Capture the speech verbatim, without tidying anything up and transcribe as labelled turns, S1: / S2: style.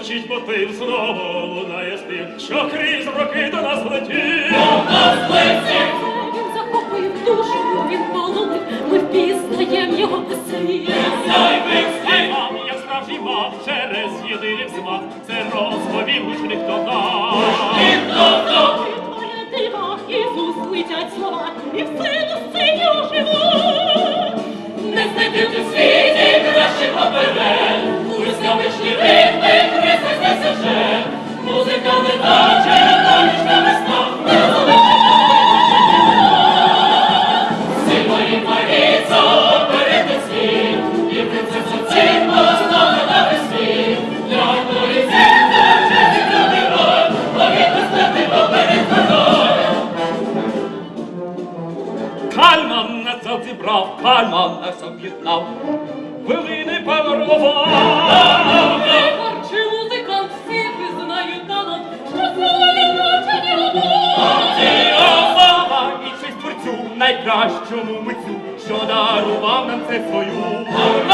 S1: звучить мотив, знову лунає спів, що крізь роки до нас летів.
S2: Він захопив душу, він полонив, ми впізнаєм його пісні.
S1: Вам, як справжній мав, через єдиний взмах, це розповів гучних тонах.
S2: Твоя дива, Ісус, летять слова, і в силу синю живуть.
S3: Не знайти в світі кращого перед, пусть вишні ритми, Христос несе вже, музика не наче, ночна весна, не Сильної Маріцо, перед світ, і принцесу цінно, знову на весь світ, для одної зірка, честь для герой, повітря стати поперед водою.
S1: Кальман нас зібрав, Кальман нас об'єднав, хвилини панорвав.
S2: Творчий музикант, всі визнають талант, що славі навчені любов.
S1: Слава і честь творцю, найкращому митцю, що дарував нам це свою.